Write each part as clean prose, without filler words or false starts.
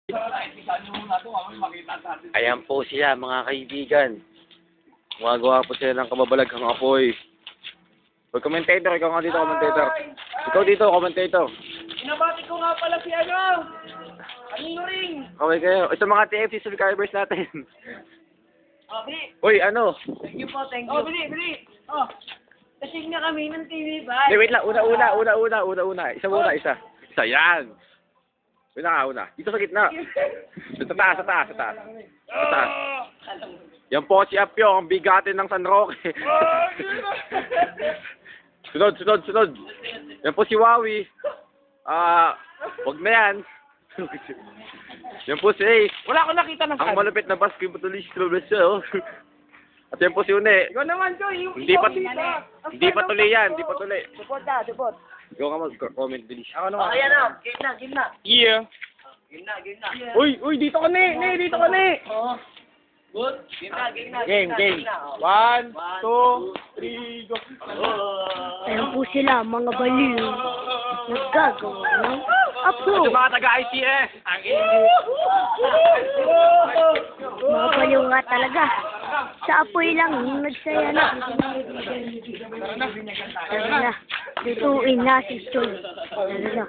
Ayan po sila mga kaibigan. Gumagawa po sila ng kababalaghang apoy. Commentator, ikaw nga dito, commentator. Ikaw dito, commentator. Inabati ko nga pala si ano! Anino ring! Okay kayo. Ito mga TFC subscribers natin. Oh, bili! Uy, ano? Thank you po, thank you. Oh, bili! Oh, kasing na kami ng TV ba? Hindi, wait lang. Una. Isa muna, isa. Isa, yan. Una. Dito sa gitna. Sa taas. Yan po si Apyo, ang bigatin ng San Roque. Sunod. Yan po si Wawi. Wag na yan. Yan po si Ace. Wala akong nakita ng Ang malupit na basketballist siya, oh. At yan po si Une. Ikaw naman, Joy. Hindi pa tuloy yan. Support. Ikaw ka mag-comment, Delish. Ako naman. Ayan na, game na. Yeah. Game na. Uy, dito ka ni. Dito ka ni. Oo. Good. Game na. Game. 1, 2, 3, go. Ayan po sila, mga baliw. Naggagawa ng apo. Ito mga taga-ITS. Mga baliw nga talaga. Sa apoy lang, nagsaya na. Tara na. Lutuin na si Stoy. Tara na.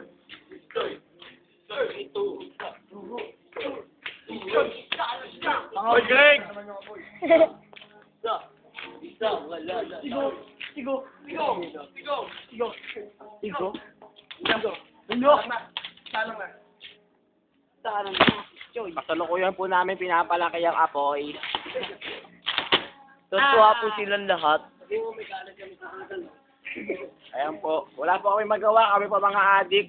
Hoy, Greg! Kasalukuyan po namin pinapalaki ang apoy. Tutuwa po silang lahat. Ayan po. Wala po kami magawa. Kami pa mga adik.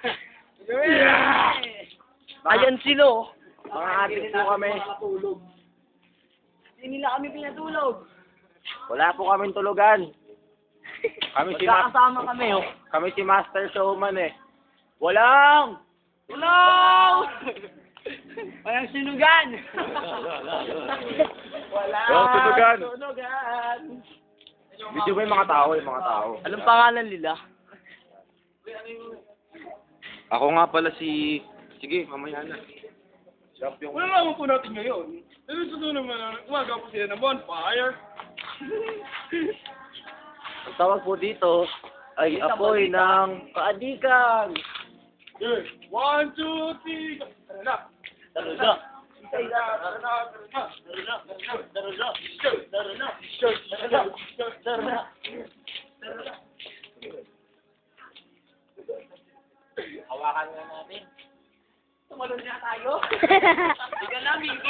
Ayan sila. Mga adik po kami. Hindi nila kami pinatulog. Wala po kaming tulugan. Magkakasama kami, oh. Kami si Master Showman eh. Walang sinugan! Walang tunugan. Video ba yung mga tao? Anong pangalan nila? Ako nga pala si... Sige, mamaya na. Wala naman po natin ngayon. Pero sa naman, umaga po sila ng bonfire. Ang tawag po dito ay apoy ng kaadikan. Good. 1, 2, 3, go. Tara na. Hawakan nga natin. Tumalon na tayo. Ika na, baby.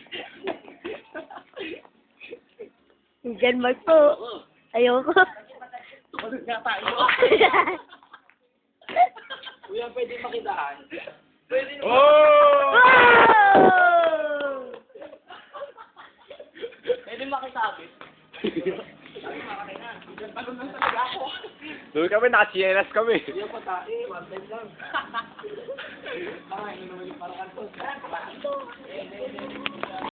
Diyan Mark po. Ayoko. Tumalon na tayo. Kuya, pwede makitaan. Oh! Pwede makisabi. Doon kami, naka-CNS kami. Hindi ako tae, one time lang. Parang ano naman yung parang